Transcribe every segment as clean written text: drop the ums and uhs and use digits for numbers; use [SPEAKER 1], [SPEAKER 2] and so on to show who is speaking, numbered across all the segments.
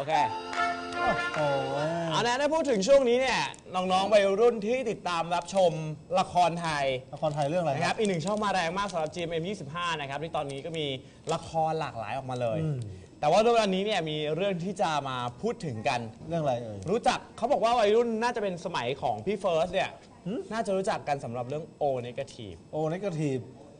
[SPEAKER 1] เค
[SPEAKER 2] โอ้
[SPEAKER 1] เอานะถ้าพูดถึงช่วงนี้เนี่ยน้องๆวัยรุ่นที่ติดตามรับชมละครไทย
[SPEAKER 2] เรื่องอะไร
[SPEAKER 1] นะครับอีกหนึ่งช่องมาแรงมากสำหรับ GMM25 นะครับที่ตอนนี้ก็มีละครหลากหลายออกมาเลยแต่ว่าวันนี้เนี่ยมีเรื่องที่จะมาพูดถึงกัน
[SPEAKER 2] เรื่องอะไรเอ่ย
[SPEAKER 1] รู้จักเขาบอกว่าวัยรุ่นน่าจะเป็นสมัยของพี่เฟิร์สเนี่ยน่าจะรู้จักกันสำหรับเรื่อง O Negative
[SPEAKER 2] O Negative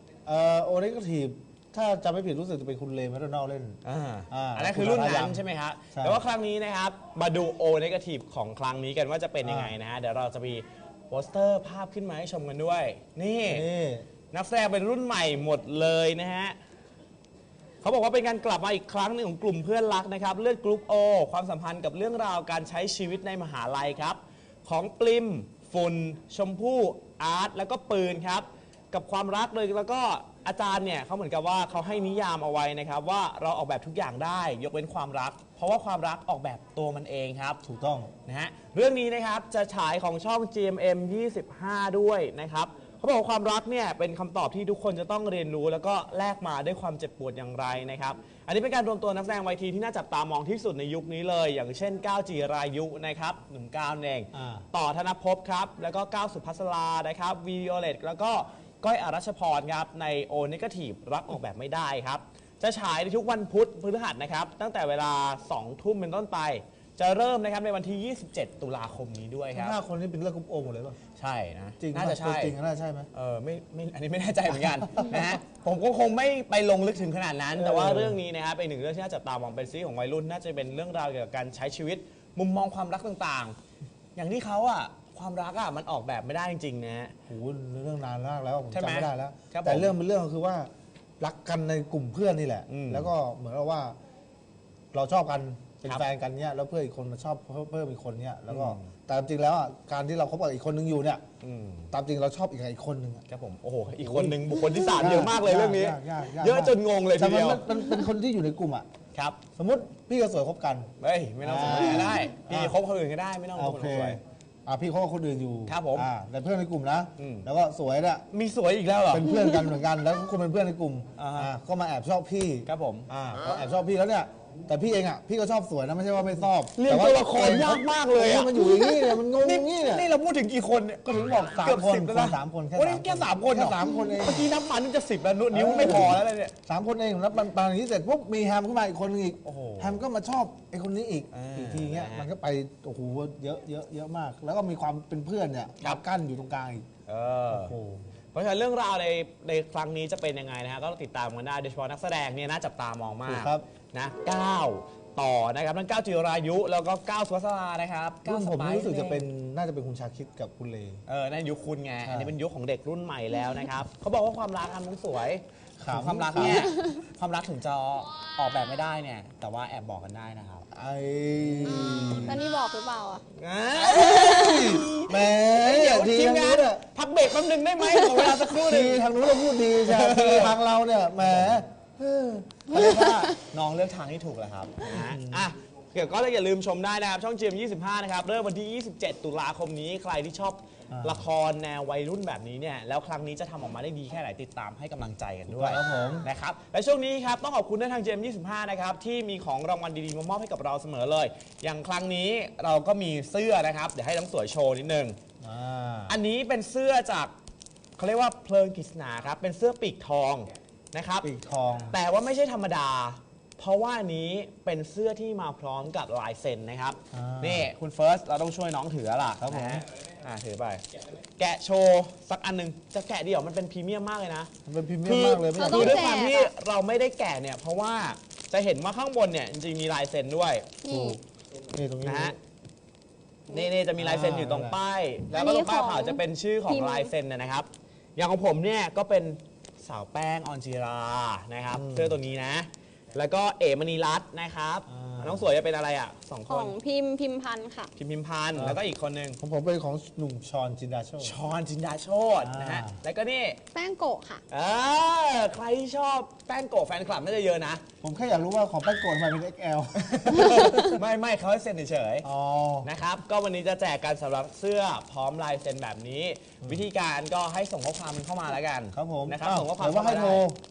[SPEAKER 2] O Negative ถ้าจำไม่ผิดรู้สึกจะเป็นคุณเลแมคโดนัลด์เล่น
[SPEAKER 1] อันนั้นคือรุ่นนั้นใช่ไหมครับแต่ว่าครั้งนี้นะครับมาดู O Negative ของครั้งนี้กันว่าจะเป็นยังไงนะฮะเดี๋ยวเราจะมีโปสเตอร์ภาพขึ้นมาให้ชมกันด้วยนี่นักแสดงเป็นรุ่นใหม่หมดเลยนะฮะเขาบอกว่าเป็นการกลับมาอีกครั้งหนึ่งของกลุ่มเพื่อนรักนะครับเลือดกรุ๊ป O ความสัมพันธ์กับเรื่องราวการใช้ชีวิตในมหาลัยครับของปลิมฝุ่นชมพู่อาร์ตแล้วก็ปืนครับกับความรักเลยแล้วก็อาจารย์เนี่ยเขาเหมือนกับว่าเขาให้นิยามเอาไว้นะครับว่าเราออกแบบทุกอย่างได้ยกเว้นความรักเพราะว่าความรักออกแบบตัวมันเองครับ
[SPEAKER 2] ถูกต้อง
[SPEAKER 1] นะฮะเรื่องนี้นะครับจะฉายของช่อง GMM 25 ด้วยนะครับเขาบอกว่าความรักเนี่ยเป็นคำตอบที่ทุกคนจะต้องเรียนรู้แล้วก็แลกมาด้วยความเจ็บปวดอย่างไรนะครับอันนี้เป็นการรวมตัวนักแสดงวัยทีที่น่าจับตามองที่สุดในยุคนี้เลยอย่างเช่นก้าวจีรายุนะครับหนุ่มก้าวเองต่อธนภพครับแล้วก็ก้าวสุภัสรานะครับวีโอเลตแล้วก็ก้อยอรัชพรครับใน O Negative รักออกแบบไม่ได้ครับจะฉายในทุกวันพุธพฤหัสนะครับตั้งแต่เวลา 2 ทุ่มเป็นต้นไปจะเริ่มนะครับในวันที่ 27 ตุลาคมนี้ด้วยครับ
[SPEAKER 2] 5 คนนี้เป็นเลือดกรุ๊ป O หมดเลยป่ะ
[SPEAKER 1] ใช่นะ
[SPEAKER 2] จริง
[SPEAKER 1] น่าจะใช่
[SPEAKER 2] จริงน่าใช่ไหม
[SPEAKER 1] ไม่อันนี้ไม่แน่ใจเหมือนกันนะฮะผมก็คงไม่ไปลงลึกถึงขนาดนั้นแต่ว่าเรื่องนี้นะครับเป็นหนึ่งเรื่องที่น่าจับตามองเป็นซีรีส์ของวัยรุ่นน่าจะเป็นเรื่องราวเกี่ยวกับการใช้ชีวิตมุมมองความรักต่างๆอย่างที่เขาความรักมันออกแบบไม่ได้จริงๆนะ
[SPEAKER 2] โอ้โหเรื่องนานมากแล้วผมจำไม่ได้แล้ว
[SPEAKER 1] แต่
[SPEAKER 2] เรื่องเป็นเรื่องคือว่ารักกันในกลุ่มเพื่อนนี่แหละแล้วก็เหมือนกับว่าเราชอบกันเป็นแฟนกันเนี่ยแล้วเพื่อนอีกคนมาชอบเพิ่มอีกคนเนี่ยแล้วก็แต่จริงแล้วการที่เราคบกับอีกคนนึงอยู่เนี่ยตามจริงเราชอบอีกคนนึง
[SPEAKER 1] ครับผมโอ้โหอีกคนนึงบุคคลที่3เยอะมากเลยเรื่องนี้เยอะจนงงเลยทีเดียว
[SPEAKER 2] มันเป็นคนที่อยู่ในกลุ่ม
[SPEAKER 1] ครับ
[SPEAKER 2] สมมติพี่กับสวยคบกัน
[SPEAKER 1] เฮ้ยไม่ต้องสวยก็ได้พี่คบคนอื่นก็ได้ไม่ต้องคนสวย
[SPEAKER 2] พี่เขากับคนอื่นอยู่
[SPEAKER 1] ครับผม
[SPEAKER 2] แต่เพื่อนในกลุ่มนะแล้วก็สวยเนี่ย
[SPEAKER 1] มีสวยอีกแล้วเหรอ
[SPEAKER 2] เป็นเพื่อนกันเหมือนกันแล้วคุณเป็นเพื่อนในกลุ่มก็มาแอบชอบพี่
[SPEAKER 1] ครับผม
[SPEAKER 2] แอบชอบพี่แล้วเนี่ยแต่พี่เองพี่ก็ชอบสวยนะไม่ใช่ว่าไม่ชอบ
[SPEAKER 1] เรียนตัวละครยากมากเลย
[SPEAKER 2] มันอยู่อย่างนี้เนี่ยมันงงอย่างนี้เนี่ย
[SPEAKER 1] นี่เราพูดถึงกี่คนเนี่ย
[SPEAKER 2] ก็ถึงบอก3 คน3 คน
[SPEAKER 1] แค่3 คน
[SPEAKER 2] 3 คนเอง
[SPEAKER 1] เมื่อกี้นับมานึกจะ10แล้วนิ้วไม่พอแล้วเนี่ย
[SPEAKER 2] 3 คนเองแล้วตอนนี้เสร็จปุ๊บมีแฮมขึ้นมาอีกคนนึงอีกแฮมก็มาชอบไอ้คนนี้อีกทีเงี้ยมันก็ไปโอ้โหเยอะมากแล้วก็มีความเป็นเพื่อนเนี่ยกั้นอยู่ตรงกลางอีก
[SPEAKER 1] เพราะฉะนั้นเรื่องราวในครั้งนี้จะเป็นยังไงนะฮะก็ติดตามกันได้โดยเฉพาะนักแสดงเนี่ยน่าจับตามองมากนะก้าวต่อนะครับทั้งก้าวจิรายุแล้วก็ก้าวสุภัสรานะครับ
[SPEAKER 2] รุ่นผมรู้สึกจะเป็นน่าจะเป็นคุณชาคิดกับคุณเล
[SPEAKER 1] นั่นยุคคุณไงอันนี้เป็นยุคของเด็กรุ่นใหม่แล้วนะครับเขาบอกว่าความรักมันสวยความรักเนี่ยความรักถึงจะออกแบบไม่ได้เนี่ยแต่ว่าแอบบอกกันได้นะครับ
[SPEAKER 3] ตอนนี้บอกหรือเปล่า
[SPEAKER 2] แหม
[SPEAKER 1] ทีมงานพักเบรกแป๊บนึงได้ไหมขอเวลาสักครู่นึง
[SPEAKER 2] ทางนู้นเราพูดดีใช่ทางเราเนี่ยแหม
[SPEAKER 1] เรียกว่าน้องเลือกทางที่ถูกแล้วครับเดี๋ยวก็อย่าลืมชมได้นะครับช่อง GMM25 นะครับเริ่มวันที่ 27 ตุลาคมนี้ใครที่ชอบละครแนววัยรุ่นแบบนี้เนี่ยแล้วครั้งนี้จะทำออกมาได้ดีแค่ไหนติดตามให้กำลังใจกันด้วยนะครับและช่วงนี้ครับต้องขอบคุณทาง GMM25 นะครับที่มีของรางวัลดีๆมามอบให้กับเราเสมอเลยอย่างครั้งนี้เราก็มีเสื้อนะครับเดี๋ยวให้น้องสวยโชว์นิดนึงอันนี้เป็นเสื้อจากเขาเรียกว่าเพลิงกฤษณาครับเป็นเสื้อปีกทองนะครับ
[SPEAKER 2] ปีกทอง
[SPEAKER 1] แต่ว่าไม่ใช่ธรรมดาเพราะว่านี้เป็นเสื้อที่มาพร้อมกับลายเซ็นนะครับนี่คุณเฟิร์สเราต้องช่วยน้องถือล่ะ
[SPEAKER 2] ครับผม
[SPEAKER 1] ถือไปแกะโชว์สักอันหนึ่งจะแกะเดี่ยวมันเป็นพรีเมียมมากเลยนะ
[SPEAKER 2] มันเป็นพรีเมียมมากเลย
[SPEAKER 1] คือด้วยความที่เราไม่ได้แกะเนี่ยเพราะว่าจะเห็นว่าข้างบนเนี่ยจริงๆมีลายเซ็นด้วย
[SPEAKER 2] นี่ตรงนี้
[SPEAKER 1] นะฮะนี่จะมีลายเซ็นอยู่ตรงป้ายแล้วก็ตรงป้ายขาวจะเป็นชื่อของลายเซ็นนะครับอย่างของผมเนี่ยก็เป็นสาวแป้งออนจิรานะครับเสื้อตัวนี้นะแล้วก็เอ๋มณีรัตน์นะครับน้องสวยจะเป็นอะไร2 คน
[SPEAKER 3] ของพิมพันธ์ค่ะ
[SPEAKER 1] พิมพันธ์แล้วก็อีกคนนึง
[SPEAKER 2] ของผมเป็นของหนุ่มชอนจินดาโชต
[SPEAKER 1] นะฮะแล้วก็นี่
[SPEAKER 3] แป้งโกะค่ะ
[SPEAKER 1] ใครชอบแป้งโกะแฟนคลับน่าจะเยอะนะ
[SPEAKER 2] ผมแค่อยากรู้ว่าของแป้งโกะทำไมเป็น XL
[SPEAKER 1] ไม่เขาให้เซ็นเฉยๆนะครับก็วันนี้จะแจกกันสำหรับเสื้อพร้อมลายเซ็นแบบนี้วิธีการก็ให้ส่งข้อความเข้ามาแล้วกัน
[SPEAKER 2] ครับผม
[SPEAKER 1] นะครับส่งข้อความ
[SPEAKER 2] ว่าให้โทร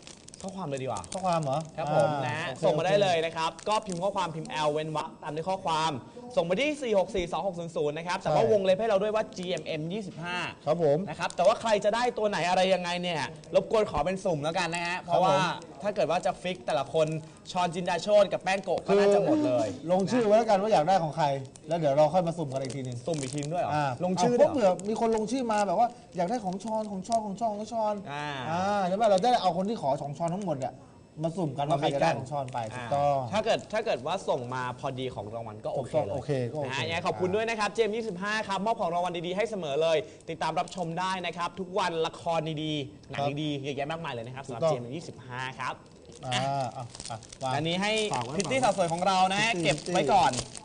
[SPEAKER 1] ข้อความเลยดีกว่า
[SPEAKER 2] ข้อความเหรอ
[SPEAKER 1] ครับผม
[SPEAKER 2] อ่า
[SPEAKER 1] นะ
[SPEAKER 2] โอค
[SPEAKER 1] ส่งมาได้
[SPEAKER 2] โอค
[SPEAKER 1] เลยนะครับ ก็พิมพ์ข้อความพิมพ์ L เว้นวรรคตามด้วยข้อความ ส่งมาที่ 4642600 นะครับ แต่ว่าวงเล็บให้เราด้วยว่า GMM 25
[SPEAKER 2] ครับผม
[SPEAKER 1] นะครับ แต่ว่าใครจะได้ตัวไหนอะไรยังไงเนี่ย รบกวนขอเป็นสุ่มแล้วกันนะฮะ เพราะว่าถ้าเกิดว่าจะฟิกแต่ละคนชอนจินดาโชตกับแป้งโกะก็น่าจะหมดเลย
[SPEAKER 2] ลงชื่อไว้แล้วกันว่าอยากได้ของใคร แล้วเดี๋ยวเราค่อยมาสุ่มกันอีกทีหนึง
[SPEAKER 1] สุ่มอีกทีด้วยเหรอ ล
[SPEAKER 2] ล
[SPEAKER 1] ง
[SPEAKER 2] ง
[SPEAKER 1] ชื่
[SPEAKER 2] ชื่
[SPEAKER 1] อ
[SPEAKER 2] อ
[SPEAKER 1] ด้วย
[SPEAKER 2] เผื่อมีคนลงชื่อมาแบบว่าอยากได้ของชอนของชอนของชอนของชอน ใช่ไหมเราจะได้เอาคนที่ขอของชอนทั้งหมดเนี่ยมาสุ่มกันว่าใครจะได้ของชอนไปถูกต้อง
[SPEAKER 1] ถ้าเกิดว่าส่งมาพอดีของรางวัลก็โอเคเลย
[SPEAKER 2] โอเคก็โอเค
[SPEAKER 1] นะฮะยังไงขอบคุณด้วยนะครับ เจม25 ครับ มอบของรางวัลดีๆให้เสมอเลย ติดตามรับชมได้นะครับ ทุกวันละครดีๆ หนังดีๆเยอะแยะมากมายเลยนะครับสำหรับ
[SPEAKER 2] ถูกต้
[SPEAKER 1] เจ
[SPEAKER 2] อง
[SPEAKER 1] ม25 ครับ
[SPEAKER 2] วาง
[SPEAKER 1] อันนี้ให้
[SPEAKER 2] ฝากไว้
[SPEAKER 1] พิตตี้สาวสวยของเรานะฮะ
[SPEAKER 2] พิตตี้
[SPEAKER 1] เก็บไว้ก่อน